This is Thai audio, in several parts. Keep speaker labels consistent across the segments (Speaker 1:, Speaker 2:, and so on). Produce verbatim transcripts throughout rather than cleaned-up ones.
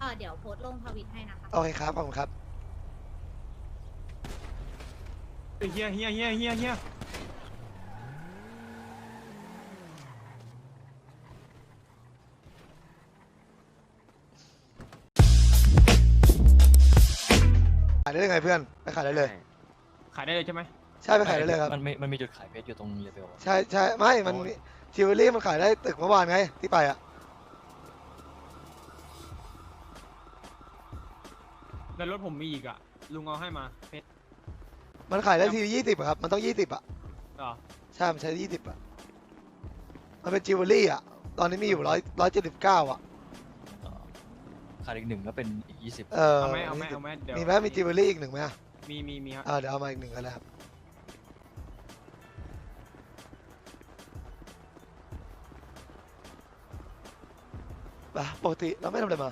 Speaker 1: อเดี๋ยวโพสต์ลงทวิตให้นะคะ
Speaker 2: โอเคครับขอบคุณครับ
Speaker 3: เฮียเฮียเฮียเฮียเฮีย
Speaker 2: ขายได้ยังไงเพื่อนไปขายได้เลย
Speaker 3: ขายได้เลยใช่ไหม
Speaker 2: ใช่ไปขายได้เลยครับ
Speaker 4: มันมีมันมีจุดขายเพชรอยู่ตรงเลเวล
Speaker 2: ใช่ใช่ไม่มันจิวเวลรี่มันขายได้ตึกเมื่อวานไงที่ไปอ่ะ
Speaker 3: แล้วรถผมมีอีกอ่ะลุงเอาให้มาเพชร
Speaker 2: มันขายได้ทียี่สิบครับมันต้องยี่สิบอ่ะ
Speaker 3: อ๋อ
Speaker 2: ใช่มันใช้ยี่สิบอ่ะมันเป็นจิวเวลรี่อ่ะตอนนี้มีอยู่ร้อยร้อยเจ็ดสิบเก้าอ่ะ
Speaker 4: ขายอีกหนึ่งก็เป็นอีกยี่สิบ
Speaker 2: เออ
Speaker 3: เอาไหมเอาไหมเอาไหมเดี๋ยว
Speaker 2: มีไหมมีจิวเวลรี่อีกหนึ่งไหมอ่ะ
Speaker 3: มีมีมีครับ
Speaker 2: เออเดี๋ยวเอามาอีกหนึ่งกันแล้วครับปกติเราไม่ทำอะไรมา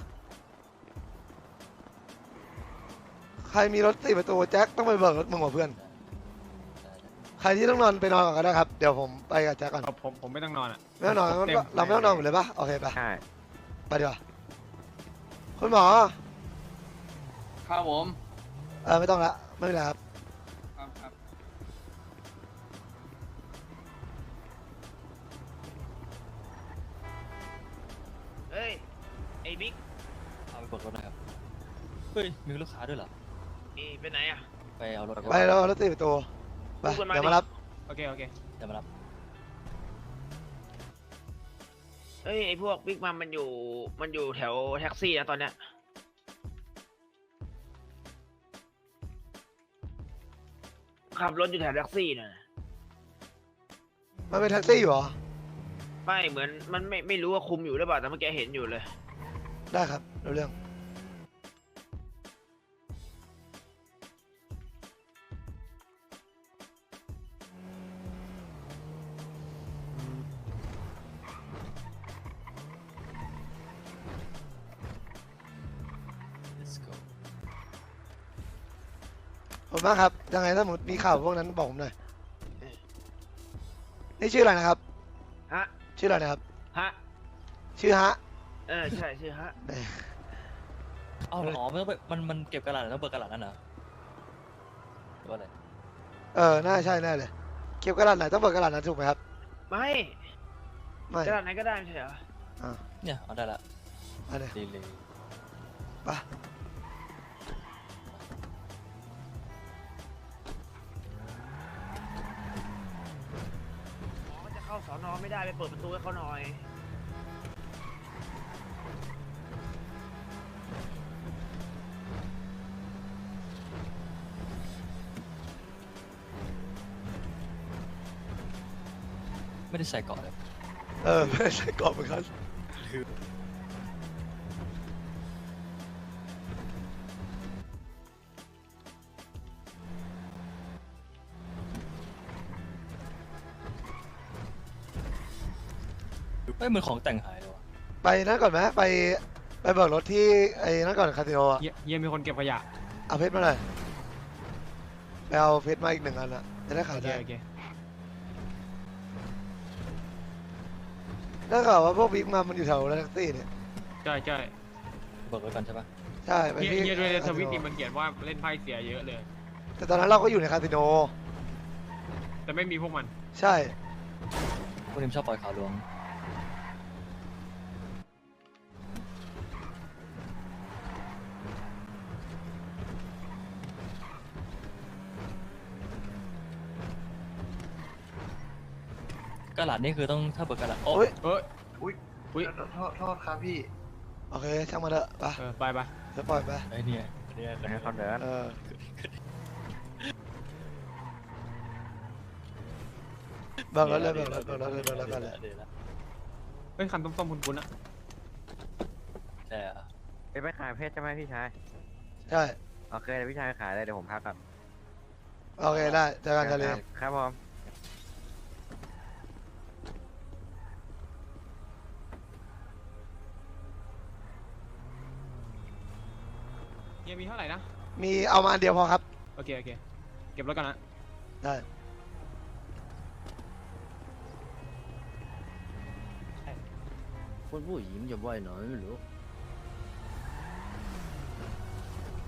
Speaker 2: ใครมีรถสี่ประตูแจ็คต้องไปเบิกรถมึงกับเพื่อนใครที่ต้องนอนไปนอนก่อนก็ได้ครับเดี๋ยวผมไปกับแจ็คก่อน
Speaker 3: เอาผมผมไม่ต้องนอนอ่ะ
Speaker 2: ไม่ต้องนอน
Speaker 3: ผมต็
Speaker 2: เราไม่ต้องนอนหมดเลยปะโอเคปะ
Speaker 5: ใช่
Speaker 2: ไปดีกว่าคุณหมอ
Speaker 6: ครับผม
Speaker 2: เออไม่ต้องละไม่เป็นไรครับ
Speaker 6: ครับครับ
Speaker 5: เฮ้ย ไอ้บิ๊ก
Speaker 4: เอาไปเบิกรถหนะครับเฮ้ยมีลูกค้าด้วยเหรอ
Speaker 5: นี่ไปไหนอ่ะ
Speaker 4: ไปเอารถ
Speaker 2: ไปแล้วรถสี่ประตูไป
Speaker 5: พูดกันมา
Speaker 2: เดี๋ยว
Speaker 5: ดิ
Speaker 2: มารับ
Speaker 3: โอเคโอเค
Speaker 4: เดี๋ยวมารับ
Speaker 5: เฮ้ย ไอ้พวกบิ๊กมันมันอยู่ มันอยู่แถวแท็กซี่นะตอนเนี้ย ขับรถอยู่แถวแท็กซี่น่ะ
Speaker 2: มันเป็นแท็กซี่อยู่เหรอ
Speaker 5: ไม่เหมือนมันไม่ไม่รู้ว่าคุมอยู่หรือเปล่าแต่เมื่อกี้เห็นอยู่เลย
Speaker 2: ได้ครับรู้เรื่อง
Speaker 4: let's go
Speaker 2: ขอบคุณมากครับยังไงถ้าสมมติมีข่าวพวกนั้นบอกผมหน่อยนี่ชื่ออะไรนะครับ
Speaker 5: ฮะ
Speaker 2: ชื่ออะไรนะครับ
Speaker 5: ฮะ
Speaker 2: ชื่อฮะ
Speaker 5: เออ ใช่ชื่อฮะ
Speaker 4: เอาอ๋อมันต้องไปมันมันเก็บกระดาษต้องเบิกกระดาษนั่นเหรอหรือว่าอะไร
Speaker 2: เออน่าใช่แน่เลยเก็บกระดาษไหนต้องเบิกกระดาษนั้นถูกไหมครับ
Speaker 5: ไม่
Speaker 2: ไม่
Speaker 5: กระดาษไหนก็ได้ไม่ใช่เหรอ
Speaker 2: อ่า
Speaker 4: เนี่ยเอาได้ละ
Speaker 2: อันนี้
Speaker 4: ดีเลย
Speaker 2: ไป
Speaker 5: อ๋อจะเข้าสอนอไม่ได้ไปเปิดประตูให้เขาหน่อย
Speaker 4: ไม่ได้ใส่เกาะเลย
Speaker 2: เออไม่ใช่กรอบเหมือนกัน
Speaker 4: ไม่เหมือนของแต่งหายเลยวะ
Speaker 2: ไปนั่นก่อนไหมไปไปเบิกรถที่ไอ้นั่นก่อนคาสิโนอะ
Speaker 3: เฮียเฮียมีคนเก็บขยะ
Speaker 2: เอาเพชรมาหน่อยไปเอาเพชรมาอีกหนึ่งอันอะจะได้
Speaker 3: โอ
Speaker 2: ขาย
Speaker 3: เค
Speaker 2: ได้
Speaker 3: โอเค
Speaker 2: ได้ข่าวว่าพวกบิ๊กมามันอยู่แถวแท็กซี่เนี่ย
Speaker 3: ใช่ใช่
Speaker 4: เบิกรถกันใช่ปะ
Speaker 2: ใช่ไป
Speaker 3: เฮีย
Speaker 2: ที่
Speaker 3: เฮียด้วยในทวิต
Speaker 2: คาสิ
Speaker 3: นี่
Speaker 2: โน
Speaker 3: มันเขียนว่าเล่นไพ่เสียเยอะเลย
Speaker 2: แต่ตอนนั้นเราก็อยู่ในคาสิโน
Speaker 3: แต่ไม่มีพวกมัน
Speaker 2: ใช่
Speaker 4: พวกนี้ชอบปล่อยข่าวลวงกระดาษนี่คือต้องถ้าเบิกกระดาษโอ้
Speaker 2: โอ้ย
Speaker 3: เอ้ย
Speaker 6: อุ้ย
Speaker 3: อุ้ย
Speaker 6: โทษโทษครับพี่
Speaker 2: โอเคช่างมาเถอะไป
Speaker 3: เออไปไป
Speaker 2: จะปล่อยไป
Speaker 4: ไอ้เนี่ยเนี่ย
Speaker 5: ให้เขาเดิน
Speaker 2: เออเบิกรถเลยเบิกรถเบิกรถเลยเบิกรถกันเลย
Speaker 3: เฮ้ยคันส้มๆคุ้นๆอ่ะ
Speaker 4: ใช่อะ
Speaker 5: ไปไปขายเพชรใช่ไหมพี่ชาย
Speaker 2: ใช่
Speaker 5: โอเคเดี๋ยวพี่ชายขายเลยเดี๋ยวผมพักก่อน
Speaker 2: โอเคได้เจอกันทะเล
Speaker 5: ครับผม
Speaker 3: เฮียมีเท่าไหร่นะ
Speaker 2: มีเอามาอันเดียวพอครับ
Speaker 3: โอเคโอเคเก็บรถกันนะ
Speaker 2: ได้
Speaker 5: คุณผู้หญิงจะว่ายหน่อยไม่รู้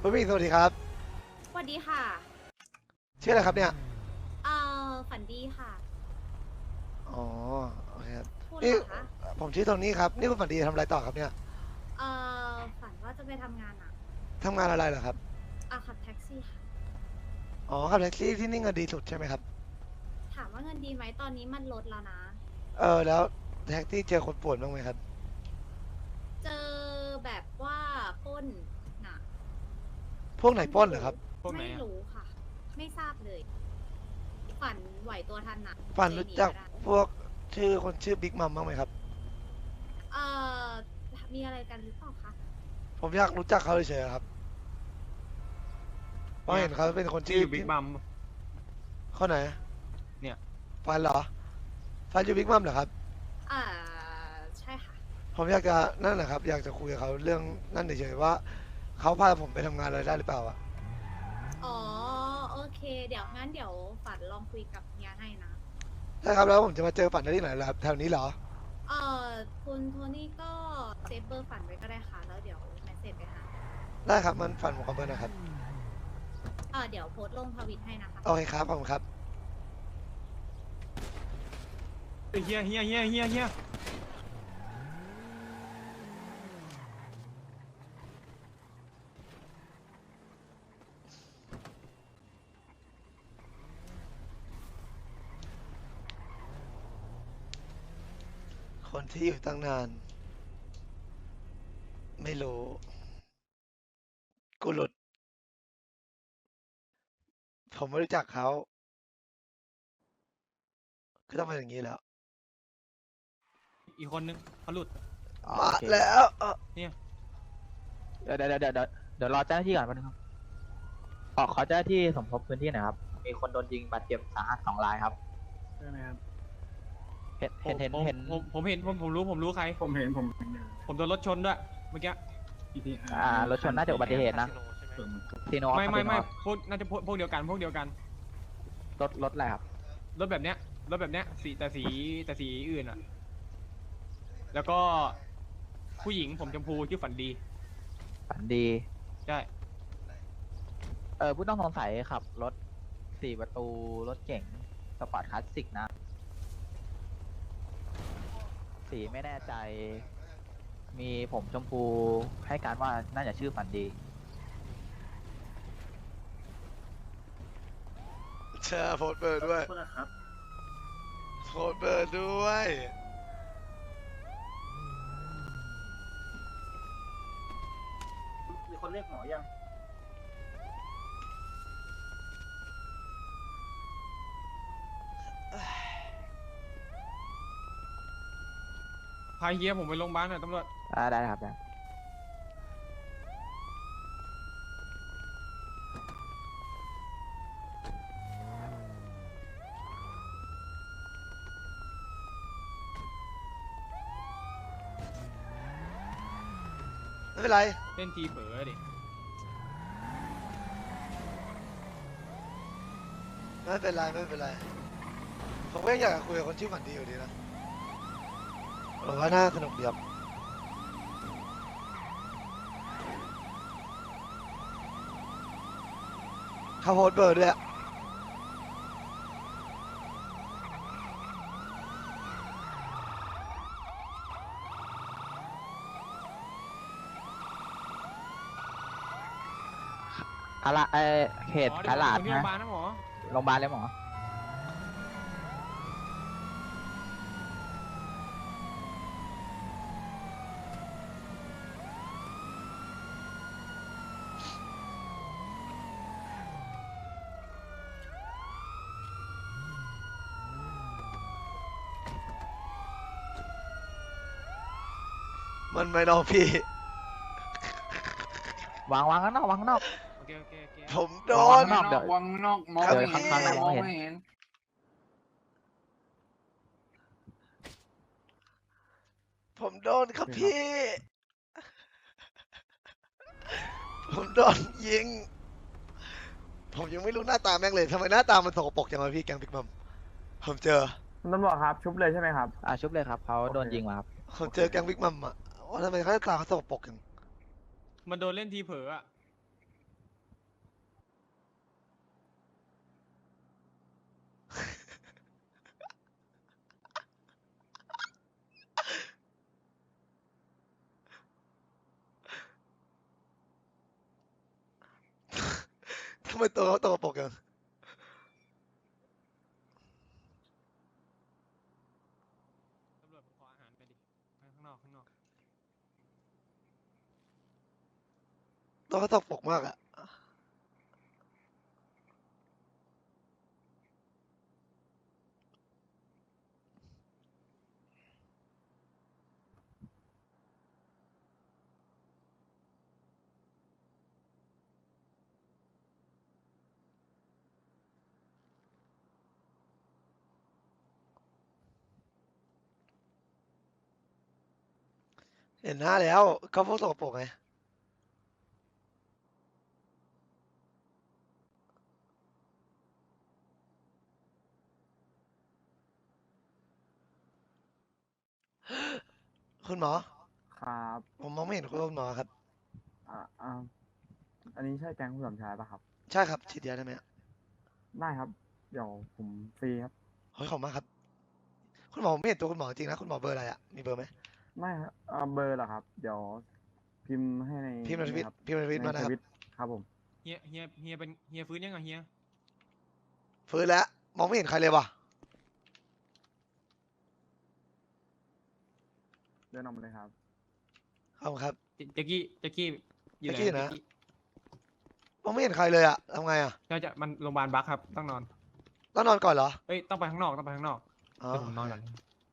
Speaker 2: คุณผู้หญิงสวัสดีครับ
Speaker 1: สวัสดีค่ะ
Speaker 2: ชื่ออะไรครับเนี่ย
Speaker 1: เอ่อ ฝันดีค่ะ
Speaker 2: อ๋อโอเคครับ
Speaker 1: พูด
Speaker 2: นี่
Speaker 1: เหรอคะ
Speaker 2: ผมชื่อโทนี่ครับนี่คุณฝันดีทำอะไรต่อครับเนี่ย
Speaker 1: เอ่อ ฝันว่าจะไปทำงานอ่ะ
Speaker 2: ทำงานอะไรเหรอครับ
Speaker 1: อ่ะขับแท็กซี่ค่ะ
Speaker 2: อ๋อขับแท็กซี่ที่นี่เงินดีสุดใช่ไหมครับ
Speaker 1: ถามว่าเงินดีไหมตอนนี้มันลดแล้วนะ
Speaker 2: เออแล้วแท็กซี่เจอคนป่วนบ้างไหมครับ
Speaker 1: เจอแบบว่าปล้นน่ะ
Speaker 2: พวกไหนปล้นเหรอครับ
Speaker 3: พวกไหน
Speaker 1: ไม่
Speaker 3: อะ
Speaker 1: รู้ค่ะ ไม่ทราบเลย ฝันไหวตัวทันน่ะ
Speaker 2: ฝันรู้จัก
Speaker 1: เลยหนีไม่ได้
Speaker 2: พวกชื่อคนชื่อบิ๊กมัมบ้างไหมครับ
Speaker 1: เอ่อ มีอะไรกันหรือเปล่าคะ
Speaker 2: ผมอยากรู้จักเขาเฉยๆครับเพราะเห็นเขาเป็นคน
Speaker 3: ที่
Speaker 2: ชื่อ
Speaker 3: อยู่บิ๊กบัม
Speaker 2: คนไหน
Speaker 3: เนี่ย
Speaker 2: ฟันเหรอฟันอยู่บิ๊กมัมเหรอครับ
Speaker 1: อ่า ใช่ค่ะ
Speaker 2: ผมอยากจะนั่นแหละครับ อยากจะคุยกับเขาเรื่องนั่นเฉยๆว่าเขาพาผมไปทำงานอะไรได้หรือเปล่าอะ
Speaker 1: อ๋อ โอเค เดี๋ยวงั้นเดี๋ยวฝันลองคุยกับเฮียให้นะ
Speaker 2: ได้ครับแล้วผมจะมาเจอฝันได้ที่ไหนล่ะครับแถวนี้เหรอ
Speaker 1: เอ่อ คุณโทนี่ก็เซฟเบอร์ฝันไว้ก็ได้ค่ะ แล้วเดี๋ยวเมสเซจไปหา
Speaker 2: ได้ครับมันฝันผมขอเบอร์นะครับ
Speaker 1: เอ่อ เดี๋ยวโพสต์ลงทวิตให้นะคะ
Speaker 2: โอเคครับขอบคุณครับ
Speaker 3: เฮียเฮียเฮียเฮียเฮีย
Speaker 2: คนที่อยู่ตั้งนาน ไม่รู้ กูหลุด ผมไม่รู้จักเขาก็ต้องเป็นอย่างนี้แล้ว
Speaker 3: อีกคนนึงเขาหลุด
Speaker 2: มาแล้วเอ่อ
Speaker 3: เนี่ย
Speaker 7: เดี๋ยวเดี๋ยวเดี๋ยวเดี๋ยวเดี๋ยวรอเจ้าหน้าที่ก่อนแป๊บนึงครับขอขอเจ้าหน้าที่สมทบพื้นที่หน่อยครับ มีคนโดนยิงบาดเจ็บสาหัสสองรายครับ
Speaker 6: ใช่ไหมครับ
Speaker 7: เห็นเห็นเห็น
Speaker 3: ผม
Speaker 7: เห็น
Speaker 3: ผมผมเห็นผมผมรู้ผมรู้ใคร
Speaker 6: ผมเห็นผมเห็นอยู่
Speaker 3: ผมโดนรถชนด้วยเมื่อกี้
Speaker 6: อีที
Speaker 7: อ่ารถชนน่าจะอุบัติเหตุนะซีโน
Speaker 3: ไม่ไม่ไม่
Speaker 7: ครับ
Speaker 3: พวกน่าจะพวกพวกเดียวกันพวกเดียวกัน
Speaker 7: รถรถอะไรครับ
Speaker 3: รถแบบเนี้ยรถแบบเนี้ยสีแต่สีแต่สีอื่นอ่ะ แล้วก็ผู้หญิงผมชมพูชื่อฝันดี
Speaker 7: ฝันดี
Speaker 3: ใช่
Speaker 7: เออผู้ต้องสงสัยขับรถสี่ประตูรถเก๋งสปอร์ตคลาสสิกนะ สีไม่แน่ใจ มีผมชมพูให้การว่าน่าจะชื่อฝันดี
Speaker 2: เชิญโพสต์เบอร์ด้วย
Speaker 6: โทษนะครับ
Speaker 2: โพสต์เบอร์ด้วย
Speaker 6: มีคนเรียกหมอยัง
Speaker 3: พาเฮียผมไปโรงพยาบาลหน่อยตำรวจ
Speaker 7: อ่าได้ครับได้
Speaker 2: ไม่เป็นไร
Speaker 3: เล่นทีเผลอดิ
Speaker 2: ไม่เป็นไรไม่เป็นไร ผมก็ยังอยากจะคุยกับคนชื่อฝันดีอยู่ดีนะผมว่าน่าสนุกดีครับเขาโพสต์เบอร์ด้วยอะ
Speaker 7: อาละเออเขต
Speaker 3: อ๋อ
Speaker 7: ต
Speaker 3: เดี๋ยว
Speaker 7: ลาด
Speaker 3: ผมที่โรงพ
Speaker 7: นะ
Speaker 3: ยาบาลนะหมอ
Speaker 7: โรงพยาบาลเลยหมอ
Speaker 2: มันไม่น้องพี่
Speaker 7: วางวางข้างนอกวางข้างนอก
Speaker 3: โอเคโอเคโอเค
Speaker 2: ผมโด
Speaker 7: วั
Speaker 2: น
Speaker 7: งนอกเดี๋ยว
Speaker 6: วังนอกมอง
Speaker 2: เดี๋ยว
Speaker 6: ไม่เห็น
Speaker 7: ข้างๆ
Speaker 6: มอง
Speaker 7: ไม่เห็น
Speaker 6: ไม่เห็น
Speaker 2: ผมโดนครับพี่ ผมโดนยิง ผมยังไม่รู้หน้าตาแม่งเลยทำไมหน้าตามันสกปรกจังวะพี่แกงพิกมัมผมเจอ
Speaker 8: คุณตำรวจครับชุบเลยใช่ไหมครับ
Speaker 7: อ่าชุบเลยครับเขาโดนยิงมาครับ
Speaker 2: ผมเจอแกงพิกมัมอ่ะว่าทำไมหน้าตาเขาสกปรกจัง
Speaker 3: มันโดนเล่นทีเผลออะ
Speaker 2: เป็นตัวเขาตัวปกยัง
Speaker 3: ตำรวจผมขออาหารไปดิไปข้างนอกข้างนอก
Speaker 2: ตัวเขาตัวปกมากอะ เห็นหน้าแล้วเขาพวกสกปรกไงคุณหมอ
Speaker 8: ครับ
Speaker 2: ผมมองไม่เห็นคุณหมอครับ
Speaker 8: อ่าอ่าอันนี้ใช่แก๊งคุณสมชายปะครับ
Speaker 2: ใช่ครับฉีดยาได้ไหมอะ
Speaker 8: ได้ครับ เดี๋ยวผมฟรีครับ
Speaker 2: ขอบคุณมากครับ คุณหมอผมไม่เห็นตัวคุณหมอจริงนะคุณหมอเบอร์อะไรอะมีเบอร์ไหม
Speaker 8: ไม่ครับเอ่อเบอร์เหรอครับ เดี๋ยวพิมพ์ให้ใน
Speaker 2: พิมพ์ในทวิต
Speaker 8: ครับ
Speaker 2: พิมพ์ในทวิตมา
Speaker 8: ใน
Speaker 2: นะ
Speaker 8: ท
Speaker 2: ครับ
Speaker 8: วิตครับผม
Speaker 3: เฮียเฮียเฮียเป็นเฮียฟื้นยังไงเฮีย
Speaker 2: ฟื้นแล้วมองไม่เห็นใครเลยว่ะ
Speaker 8: เดินออกมาเลยครับ
Speaker 2: ขอบคุณครับ
Speaker 3: เจแจ็กกี้แจ็กกี้อยู่ไหน
Speaker 2: แจ็คกี้นะ
Speaker 3: แจ็คกี้
Speaker 2: มองไม่เห็นใครเลยอะทำไงอะ
Speaker 3: น่าจะมันโรงพยาบาลบักครับต้องนอน
Speaker 2: ต้องนอนก่อนเหรอ
Speaker 3: เอ้ยต้องไปข้างนอกต้องไปข้างนอก
Speaker 2: อ๋อ
Speaker 3: เดี๋ยวผมนอนก่อน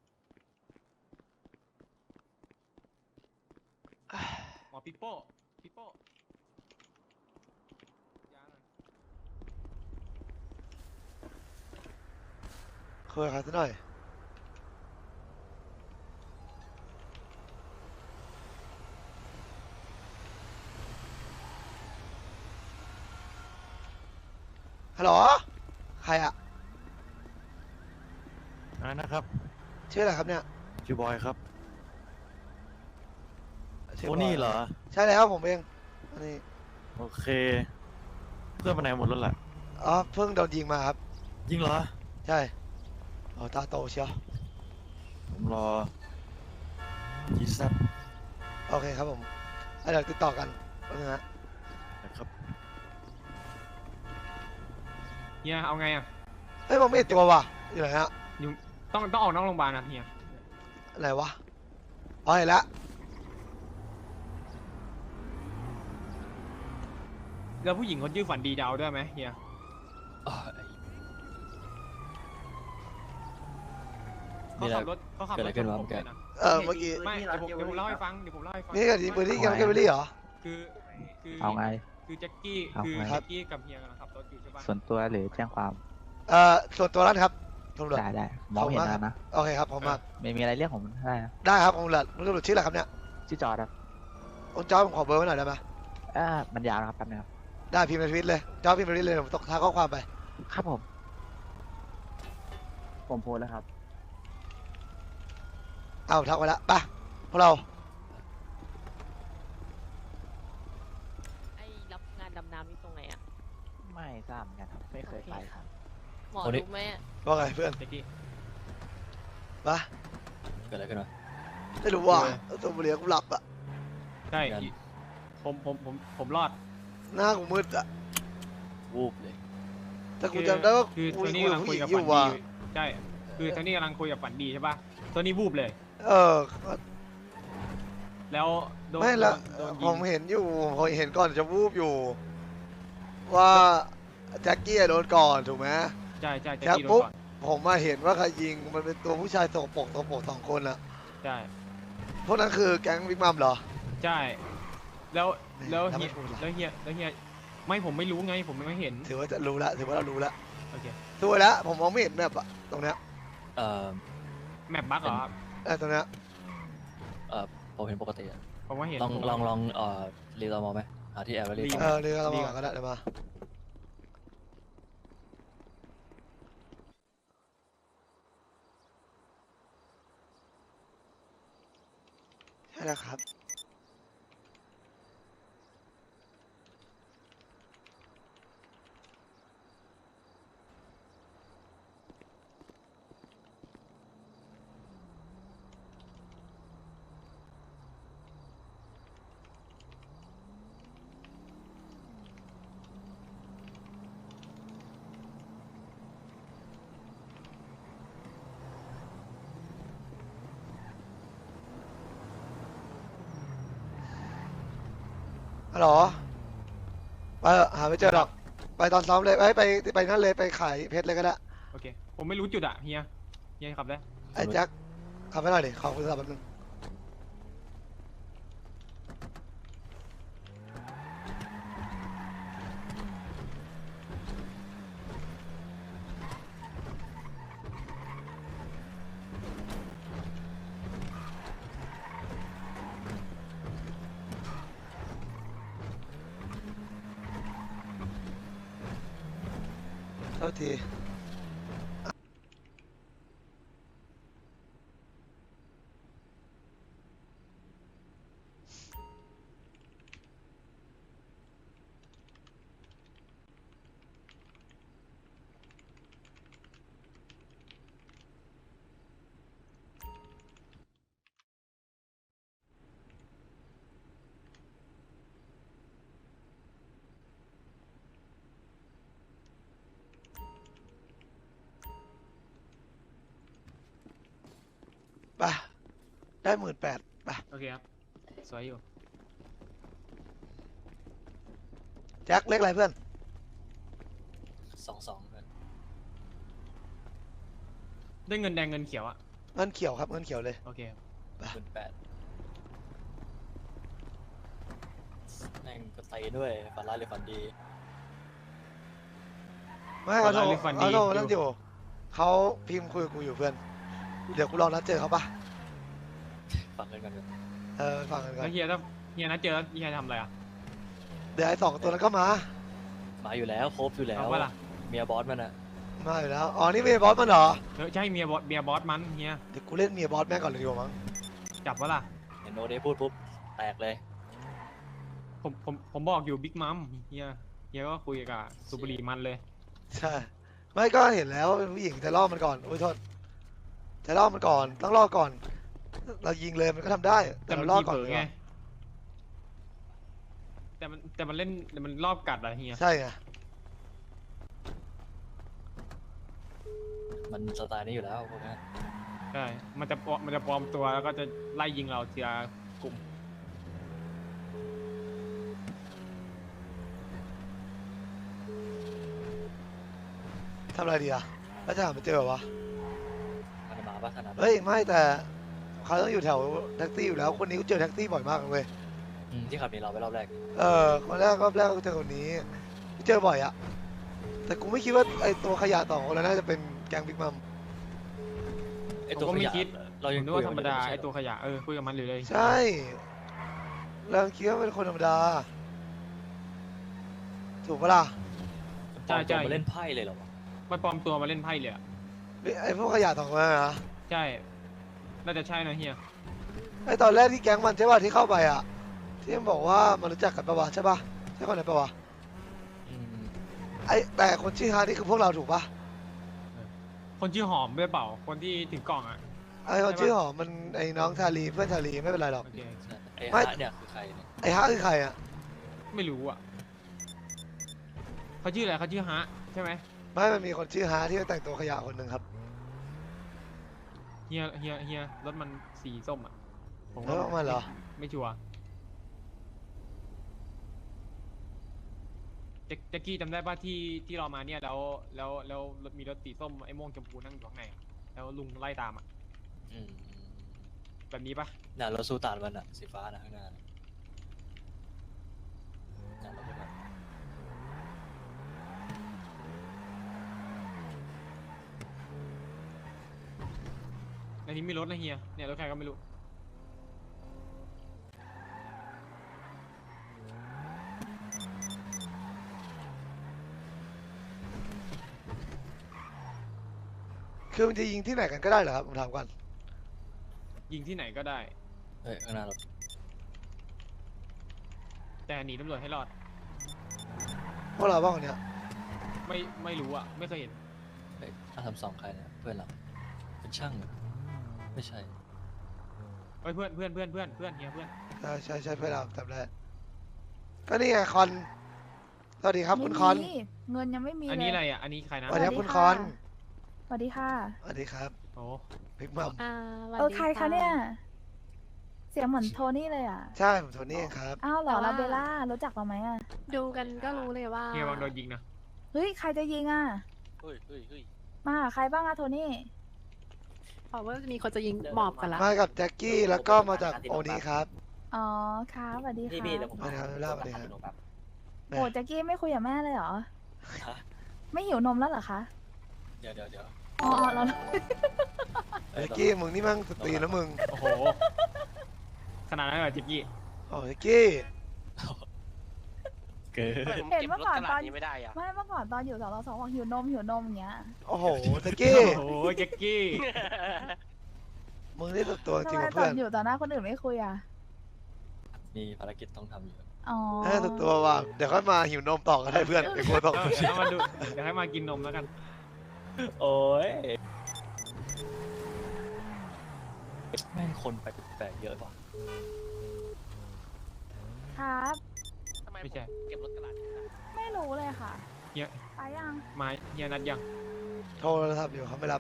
Speaker 3: หมอปิโป้ปิโป้ยาหน่อย
Speaker 2: คุยกับใครสักหน่อยฮัลโหลใครอะ
Speaker 9: อะไรนะครับ
Speaker 2: ชื่ออะไรครับเนี่ย
Speaker 9: ชื่อบอยครับ
Speaker 2: ชื่
Speaker 9: โอ้
Speaker 2: บย
Speaker 9: นี่เหรอ
Speaker 2: ใช่แล้วผมเองอันนี้
Speaker 9: โอเค เพื่อนไปไหนหมดแล้วล่ะ
Speaker 2: อ๋อเพิ่งโดนยิงมาครับ
Speaker 9: ยิงเหรอ
Speaker 2: ใช่โอ้ตาโตเชียว
Speaker 9: ผมรอจีซับ
Speaker 2: โอเคครับผมอ่ะเดี๋ยวติดต่อกันนะฮะ
Speaker 9: นะครับ
Speaker 3: เฮียเอาไงอ่ะ
Speaker 2: เฮ้ยผมไม่เห็นตัวว่ะอยู่ไหนฮะ
Speaker 3: อยู่ต้องต้องออกนอกโรงพยาบาลนะเฮีย
Speaker 2: ไหนวะอ๋อเห็นแล้ว
Speaker 3: แล้วผู้หญิงคนชื่อฝันดีดาวด้วยไหมเฮีย
Speaker 4: อ่าไอ้
Speaker 3: เขาขับรถเขาขับ
Speaker 4: เกิด
Speaker 3: ร
Speaker 4: อะไร
Speaker 3: ถ
Speaker 4: ขึ้นวะ
Speaker 3: ชผม
Speaker 4: แก
Speaker 3: เลยนะ
Speaker 2: เออเมื่อกี้
Speaker 3: ไม่เดี๋ยวผมเดี๋ยวผมเล่าให้ฟังเดี๋ยวผมเล่าให้ฟัง
Speaker 2: นี่ก็ยิงปืนที่แกมแกมเบอรี่เหรอ
Speaker 3: คือคือ
Speaker 7: เอาไง
Speaker 3: คือแจ็คกี้
Speaker 7: เอา
Speaker 3: คือ
Speaker 7: ไง
Speaker 3: แจ็คกี้กับเฮียกำลังขับรถอยู่ใช่ปะ
Speaker 7: ส่วนตัวหรือแจ้งความ
Speaker 2: เอ่อส่วนตัวนั้นครับตำรวจ
Speaker 7: ได้ได้มองเห็นแล้วนะ
Speaker 2: โอเคครับผมมา
Speaker 7: ไม่มีอะไรเรียกผมได้นะ
Speaker 2: ได้ครับผมตำรวจตำรวจชื่ออะไรครับเนี่ย
Speaker 7: ชื่อจอร์ดครับ
Speaker 2: คุณจอร์จผมขอเบอร์ไว้หน่อยได้ไหม
Speaker 7: อ่ามันยาวนะครับแป๊บนึงครับ
Speaker 2: ได้พิมพ์ในทวิตเลยจอร์จพิมพ์ในทวิตเลยผมตกท้ายข้อความไป
Speaker 7: ครับผม
Speaker 8: ผมโพสต์แล้วครับ
Speaker 2: เอาทักไว้ละไปพวกเรา
Speaker 10: ไอ้รับงานดำน้ำนี่ตรงไหนอะ
Speaker 7: ไม่ทราบเหมือนกันครับไม่เคยไปครับ
Speaker 10: หมอ
Speaker 4: คนนี้
Speaker 10: รู้ไหมอะ
Speaker 2: ว่าไงเพื่อน
Speaker 3: แจ็คกี้
Speaker 2: ไป
Speaker 4: เกิดอะไรขึ้นวะ
Speaker 2: ไม่รู้ว่าตัวบุหรี่กูหลับอะ
Speaker 3: ใช่
Speaker 4: งั้น
Speaker 3: ผมผมผมผมรอด
Speaker 2: หน้ากูมืดอะ
Speaker 4: วูบเลย
Speaker 2: แต่กูจำได้ว่า
Speaker 3: คือ
Speaker 2: กู
Speaker 3: โท
Speaker 2: คุย
Speaker 3: นี่
Speaker 2: กับ
Speaker 3: กำลัง
Speaker 2: ผู้
Speaker 3: คุ
Speaker 2: ห
Speaker 3: ย
Speaker 2: ญิง
Speaker 3: กับ
Speaker 2: อ
Speaker 3: ฝั
Speaker 2: ยู่
Speaker 3: น
Speaker 2: ว่ะ
Speaker 3: ดีใช่คือโทนี่กำลังคุยกับฝันดีใช่ปะโทนี่วูบเลย
Speaker 2: เออ
Speaker 3: แล้วโดน
Speaker 2: ไม่ละ
Speaker 3: โดน
Speaker 2: ผ
Speaker 3: ยิ
Speaker 2: ม
Speaker 3: ง
Speaker 2: เห็นอยู่ผมเห็นก่อนจะวูบอยู่ ว่าแจ็คกี้อะโดนก่อนถูกไหม
Speaker 3: ใช่ใช่แจ็ค
Speaker 2: แล้ว
Speaker 3: กี้โดน
Speaker 2: ปุ๊บ
Speaker 3: ก่อน
Speaker 2: ผมมาเห็นว่าใครยิงมันเป็นตัวผู้ชายสกปรกสกปรกสองคนอะ
Speaker 3: ใช่
Speaker 2: พวกนั้นคือแก๊งบิ๊กมัมเหรอ
Speaker 3: ใช่แล้วแล้ว
Speaker 2: แล้วไม่
Speaker 3: เฮีย
Speaker 2: พูดล่ะ
Speaker 3: แล้วเฮียแล้วเฮียไม่ผมไม่รู้ไงผมไม่เห็น
Speaker 2: ถือว่าจะรู้ละถือว่าเรารู้ละ
Speaker 3: โอเค
Speaker 2: สวยแล้วผมมองไม่เห็นแบบอะตรงเนี้ย
Speaker 4: เอ่อ
Speaker 3: แมปบั๊กเหรอครับ
Speaker 2: เออตรงเนี้ย
Speaker 4: เอ่อผมเห็นปกติอะ
Speaker 3: ผมว่าเห็น
Speaker 4: ลอง
Speaker 3: ผม
Speaker 4: ลองลองเอ่อรีตอมอไหมหาที่แอบแล้วรี
Speaker 3: รี
Speaker 4: ตอ
Speaker 2: เอ
Speaker 4: ม
Speaker 2: อเดี๋ยวเรามาก็ได้เดี๋ยวมาใช่แล้วครับฮัลโหลไปเถอะหาไม่เจอหรอกไปตอนซ้อมเลยไปไปไปนั่นเลยไปขายเพชรเลยก็ได้
Speaker 3: โอเค ผมไม่รู้จุดอะเฮียเฮียขับได้
Speaker 2: ไอ้แจ็คขับไปหน่อยดิขอคุณสับแป๊บนึงเท่าทีไปได้หมื่นแปดไป
Speaker 3: โอเคครับสวยอยู่
Speaker 2: แจ็คเล็กอะไรเพื่อน
Speaker 4: สองสองเพื่อน
Speaker 3: ได้เงินแดงเงินเขียวอะ
Speaker 2: เงินเขียวครับเงินเขียวเลย
Speaker 3: โอเคครับ
Speaker 4: หมื่นแปดแม่งก็ไตด้วยฝันร้ายหรือฝันดี
Speaker 2: ไม่เขาโทรเขาโทรนั่นอยู่เขาพิมพ์คุยกับกูอยู่เพื่อนเดี๋ยวกูลองนัดเจอเขาปะ
Speaker 4: ฟังกันกันเถอะ
Speaker 2: เออฟังกันก่อ
Speaker 3: แล้
Speaker 2: น
Speaker 3: วเฮียถ้าเฮียนัดเจอแล้วเฮียทำอะไรอะ
Speaker 2: เดี๋ยวไอ้สองตัวนั้นก็มา
Speaker 4: มาอยู่แล้วครบอยู่แล้ว
Speaker 3: เอาปะล่ะ
Speaker 4: เมียบอสมันอะ
Speaker 2: มาอยู่แล้วอ๋อนี่เมียบอสมันเหรอ
Speaker 3: เออใช่เมียบอสเมียบอสมันเฮีย
Speaker 2: เดี๋ยวกูเล่นเมียบอสแม่งก่อนเลยดีกว่ามั้ง
Speaker 3: จับวะล่ะ
Speaker 4: เห็นโนเดย์พูดปุ๊บแตกเลย
Speaker 3: ผมผมผมบอกอยู่บิ๊กมัมเฮียเฮียก็คุยกับสุบรีมันเลย
Speaker 2: ใช่ไม่ก็เห็นแล้วว่าเป็นผู้หญิงจะล่อมันก่อนโอ้ยโทษจะล่อมันก่อนต้องล่อก่อน เรายิงเลยมันก็ทำได้แต่
Speaker 3: แต่มั
Speaker 2: เรา
Speaker 3: น
Speaker 2: ล่อ
Speaker 3: ที
Speaker 2: ก่อน
Speaker 3: เผลอ
Speaker 2: ดีก
Speaker 3: ไง
Speaker 2: ว่า
Speaker 3: แต่มันแต่มันเล่นแต่มันรอบกัดอะเฮีย
Speaker 2: ใช่ไง
Speaker 4: มันสไตล์นี้อยู่แล้วพวกนี้
Speaker 3: ใช่ มันจะปลอมมันจะปลอมตัวแล้วก็จะไล่ยิงเราทีละกลุ่ม
Speaker 2: ทำอะไรดีอะแล้วจะหาไม่เจอวะ
Speaker 4: มันจะมาปะขนาดนั้น
Speaker 2: เฮ้ยไม่แต่เขาต้องอยู่แถวแท็กซี่อยู่แล้วคนนี้กูเจอแท็กซี่บ่อยมากเลยเว้ย
Speaker 4: อืมที่ขับหนีเราไปรอบแรก
Speaker 2: เออคนแรกรอบแรกก็เจอคนนี้เจอบ่อยอะแต่กูไม่คิดว่าไอตัวขยะสองคนนั้นน่าจะเป็นแก๊งบิ๊กมัม
Speaker 4: ไอ
Speaker 3: ผม
Speaker 4: ตัว
Speaker 3: ก็
Speaker 4: ข
Speaker 3: ไม่
Speaker 4: ยะ
Speaker 3: คิด
Speaker 4: เรา
Speaker 3: ผ
Speaker 4: ยัง
Speaker 3: มนึกว่าธรรมดา
Speaker 4: คุยกัน
Speaker 3: ไอตัวขยะเออคุยกับมันอยู่เลย
Speaker 2: ใช่เราคิดว่าเป็นคนธรรมดา ถูกปะล่ะ
Speaker 4: ใช่ใช่มาเล่นไพ่เลยเหรอวะ
Speaker 3: มันปลอมตัวมาเล่นไพ่เลยอะ
Speaker 2: ไอพวกขยะสองคนนั้นนะ
Speaker 3: ใช่น่าจะใช่นะเฮีย
Speaker 2: ไอตอนแรกที่แก๊งมันใช่ป่ะที่เข้าไปอะที่มันบอกว่ามันรู้จักกันปะวะใช่ป่ะใช่คนไหนปะวะ
Speaker 4: อืม
Speaker 2: ไอแต่คนชื่อฮาร์ดนี่คือพวกเราถูกปะ
Speaker 3: คนชื่อหอมด้วยเปล่าคนที่ถึงกล่องอะ
Speaker 2: ไอคนชื่อหอมมันไอน้องชาลีเพื่อนชาลีไม่เป็นไรหรอก
Speaker 3: โอเค
Speaker 4: ใช่ไอ้
Speaker 2: ไม่
Speaker 4: ฮาร์ดเนี่ยคือใครเนี่ย
Speaker 2: ไอฮาร์ดคือใครอะ
Speaker 3: ไม่รู้อะเขาชื่ออะไรเขาชื่อฮะใช่ไหม
Speaker 2: ไม่มันมีคนชื่อฮาร์ดที่แต่งตัวขยะคนหนึ่งครับ
Speaker 3: เฮียเฮียเฮียรถมันสีส้มอะผม
Speaker 2: แล้วออกมาเหรอ
Speaker 3: ไม่ชัวร์แจ็คแจ็คกี้จำได้ป่ะที่ที่เรามาเนี่ยแล้วแล้วแล้วมีรถสีส้มไอ้ม่วงชมพูนั่งอยู่ข้างในอะแล้วลุงไล่ตามอะ
Speaker 4: อืม
Speaker 3: แบบนี้ป่ะ
Speaker 4: น่ะรถสู้ตานมันอะสีฟ้านะข้างหน้าน่ะน่ะรถพวกนั้น
Speaker 3: ในนี้มีรถนะเฮียเนี่ยรถใครก็ไม่รู้
Speaker 2: คือมันจะยิงที่ไหนกันก็ได้เหรอครับผมถามก่อน
Speaker 3: ยิงที่ไหนก็ได้
Speaker 4: เฮ้ยข้างหน้ารถ
Speaker 3: แต่หนีตำรวจให้รอด
Speaker 2: พวกเราบ้างคนเนี้ย
Speaker 3: ไม่ไม่รู้อะไม่เคยเห็น
Speaker 4: เฮ้ยอาทำสองใครเนี่ยเพื่อนเราเป็นช่างเหรอไม่ใช่
Speaker 3: เฮ้ยเพื่อนเพื่อนเพื่อนเพื่อนเพื่อนเฮียเพื่อน
Speaker 2: ใช่ใช่ใช่เพื่อนเราจำได้ก็นี่ไงคอนสวัสดีครับคุณคอน
Speaker 11: ไม่มีเงินยังไม่มี
Speaker 3: อัน
Speaker 11: เล
Speaker 3: นี้
Speaker 11: ย
Speaker 3: อะไรอะอันนี้ใครนะ
Speaker 2: สวัสดีครับคุณคอน
Speaker 11: สวัสดีค่ะ
Speaker 2: สวัสดีครับ
Speaker 3: โอ้
Speaker 2: บิ๊กมัม
Speaker 10: อ่าวัน
Speaker 11: เออ
Speaker 10: ดี
Speaker 11: ใครคะเนี่ยเสียงเหมือนโทนี่เลยอ่ะ
Speaker 2: ใช่ผมโทนี่เองครับ
Speaker 11: อ้าวเหรอลาเบลล่ารู้จักเราไหมอ่ะ
Speaker 10: ดูกันก็รู้เลยว่า
Speaker 3: เฮียบางโดนยิงนะ
Speaker 11: เฮ้ยใครจะยิงอ่ะ
Speaker 4: เฮ้ยเฮ้ยเฮ้ย
Speaker 11: มาหาใครบ้างอะโทนี่
Speaker 10: บอกว่ามีคนจะยิงหมอบกันละ
Speaker 2: มากับแจ็คกี้แล้วก็มาจากโอนี้ครับ
Speaker 11: อ๋อครับสวัสดี
Speaker 4: พี่
Speaker 11: ค่ะ
Speaker 4: พี่เดี๋ยวผม
Speaker 2: สวัสดีครับเล่าสวัสดีครับ
Speaker 4: ครับ
Speaker 11: โอ้แจ็กกี้ไม่คุยกับแม่เลยเหรอ
Speaker 4: ฮะ
Speaker 11: ไม่หิวนมแล้วเหรอคะ
Speaker 4: เดี๋ยวเดี๋ยวเดี๋ยว
Speaker 11: อ๋ออ๋อเรา
Speaker 2: แจ็คกี้มึงนี่มั่งสตรีนะมึง
Speaker 3: โอ้โห ขนาดนั้นเลยเหรอจิกกี้
Speaker 2: โอ้แจ็คกี้
Speaker 4: เกิด
Speaker 11: เห็นเมื่อก่อนตอนไม่เมื่อก่อนตอนอยู่สองสองบอกหิวนมหิวนมอย่างเงี้ย
Speaker 2: โอ้โหแจ็คกี้
Speaker 3: โอ้โหจิกกี้
Speaker 2: มึงนี่สุดตัวจริ
Speaker 11: ทำ
Speaker 2: ง
Speaker 11: ไม
Speaker 2: ว่ะ
Speaker 11: ตอ
Speaker 2: เพื่อน น
Speaker 11: อยู่ต่อหน้าคนอื่นไม่คุยอ่ะ
Speaker 4: มีภารกิจต้องทำอยู่
Speaker 11: อ๋อ
Speaker 2: เออสุดตัวว่ะเดี๋ยวค่อยมาหิวนมต่อก็ได้เพื่อนไอ้กลัวตก
Speaker 3: เดี๋ยวมาดู เดี๋ยวให้มากินนมแล้วกัน
Speaker 4: โอ้ยแม่งคนไปแปลกๆเยอะว่ะ
Speaker 11: ครับ
Speaker 3: ไม่ใช่
Speaker 5: เก็บรถกระดาษ
Speaker 11: ไม่รู้เลยค่ะ
Speaker 3: เฮีย
Speaker 11: ไปยัง
Speaker 3: มาเฮียนัดยัง
Speaker 2: โทรศัพท์อยู่เขาไม่รับ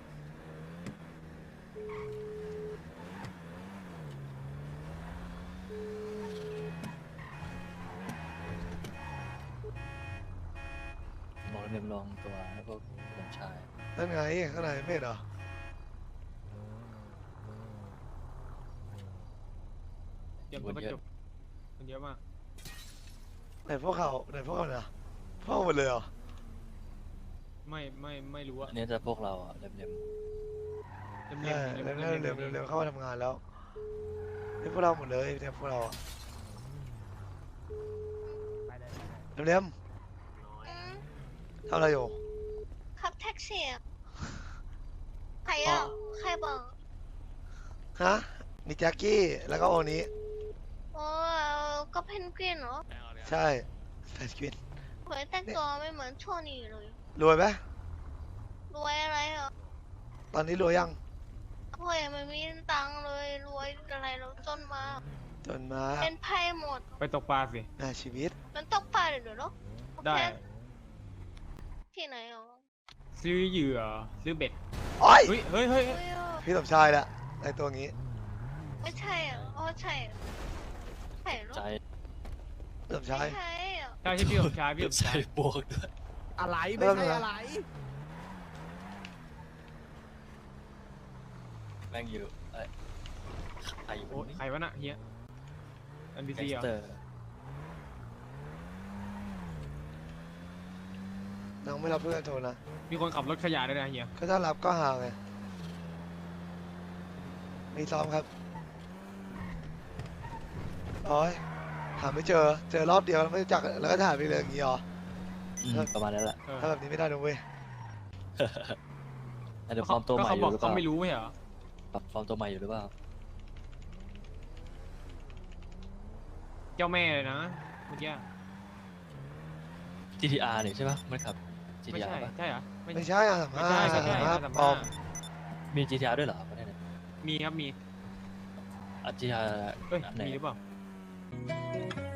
Speaker 4: มองเรียมลองตัวให้พวกผมชาย
Speaker 2: นั่นไงข้างในไม่เห็นเหรอ
Speaker 3: เตรียมตัวประจบมันเยอะมาก
Speaker 2: ไหนพวกเขาไหนพวกเขาเนี่ยพวกเขาหมดเลยเหรอ
Speaker 3: ไม่ไม่ไม่รู้อะ
Speaker 4: อันนี้จะพวกเราอะเรียม
Speaker 3: เล่ม
Speaker 2: เอ
Speaker 3: เล่ม
Speaker 2: อ
Speaker 3: เล่ม
Speaker 2: เร็ว
Speaker 3: เล่ม
Speaker 2: เร็ว
Speaker 3: เล่ม
Speaker 2: เร็วเข้ามาทำงานแล้วนี่พวกเราหมดเลยเนี่ยพวกเราอะเร็วๆทำอะไรอยู่
Speaker 1: ขับแท็กซี่ใครอ่ะใครบอก
Speaker 2: ฮะมีแจ็คกี้แล้วก็โอนี้
Speaker 1: โอ้ก็เพนกวินเหรอ
Speaker 2: ใช่แฟนกิน
Speaker 1: เหมือนแต่งตัวไม่เหมือนโชนี่เลย
Speaker 2: รวยไหม
Speaker 1: รวยอะไรอ่ะ
Speaker 2: ตอนนี้รวยยัง
Speaker 1: โอ้ยไม่มีตังค์เลยรวยอะไรเราจนมา
Speaker 2: จนมา
Speaker 1: เป็นไพ่หมด
Speaker 3: ไปตกปลาสิ
Speaker 2: น่าชีวิต
Speaker 1: มันตกปลาเลยเหรอ
Speaker 3: ได้
Speaker 1: ที่ไหนอ่ะ
Speaker 3: ซื้อเหยื่อ ซื้อเบ็ด
Speaker 2: โอ้ย
Speaker 3: เฮ้ยเฮ้ยเฮ้ย
Speaker 1: เฮ้ยอ่ะ
Speaker 2: พี่สมชายแหละในตัวงี้
Speaker 1: ไม่ใช่อ่ะอ๋อใช่อ่ะใช่เหรอ
Speaker 4: ๆใจ
Speaker 2: พี่สมชาย
Speaker 1: ไม่ใช่อ่ะ
Speaker 3: ใช่ใช่พี่สมชายพี่สม
Speaker 4: ใจ
Speaker 3: ชาย
Speaker 4: บวกด้วย
Speaker 5: อะไร
Speaker 2: ไม่ใช่อะไร
Speaker 4: แม่งอยู่เอ้ยใครอยู่
Speaker 3: โอ้
Speaker 4: นี่
Speaker 3: ใครวะน่ะเฮียเอ็นบี
Speaker 4: แก๊
Speaker 3: ซี
Speaker 4: ง
Speaker 3: เหร
Speaker 4: ส
Speaker 3: อ
Speaker 4: เตอร์
Speaker 2: น้องไม่รับเพื่อนโทรนะ
Speaker 3: มีคนขับรถขยะด้วยนะเฮีย
Speaker 2: ก็ถ้ารับก็ห่างไงมีซ้อมครับโอ้ยหาไม่เจอ เจอรอบเดียวแล้วไม่รู้จักแล้วก็ถ่ายไปเลยอย่างงี้เหรอ
Speaker 4: อืมประมาณนั้นแหละ
Speaker 3: เออ
Speaker 2: ถ้าแบบนี้ไม่ได้นะเว้ย
Speaker 4: อาจจะฟอร์มตัวใหม่
Speaker 3: ก็
Speaker 4: อ
Speaker 3: เขาบอยู่ ก
Speaker 4: หรือเป
Speaker 3: เขา
Speaker 4: ล่า
Speaker 3: ไม่รู้ไม่เหรอ
Speaker 4: ปรับฟอร์มตัวใหม่อยู่หรือเปล่า
Speaker 3: เจ้าแม่เลยนะเมื่อกี้
Speaker 4: จี ที อาร์ นี่ใช่ปะมันขับ
Speaker 3: ไม่
Speaker 4: จี ที อาร์
Speaker 3: ใช่
Speaker 4: ปะ
Speaker 3: ใช่เหรอ
Speaker 2: ไม่ใช่อ่ะสาม
Speaker 3: ไม่
Speaker 2: ห้า
Speaker 3: ใช่ไม่ใช่
Speaker 2: สามห้า
Speaker 3: สาม
Speaker 2: ปลอ
Speaker 3: ห้าม
Speaker 4: มี จี ที อาร์ ด้วยเหรอประเทศนี้
Speaker 3: มีครับมี
Speaker 4: อ่ะ จี ที อาร์
Speaker 3: เอ้ย
Speaker 4: อันไหน
Speaker 3: มีหรือเปล่า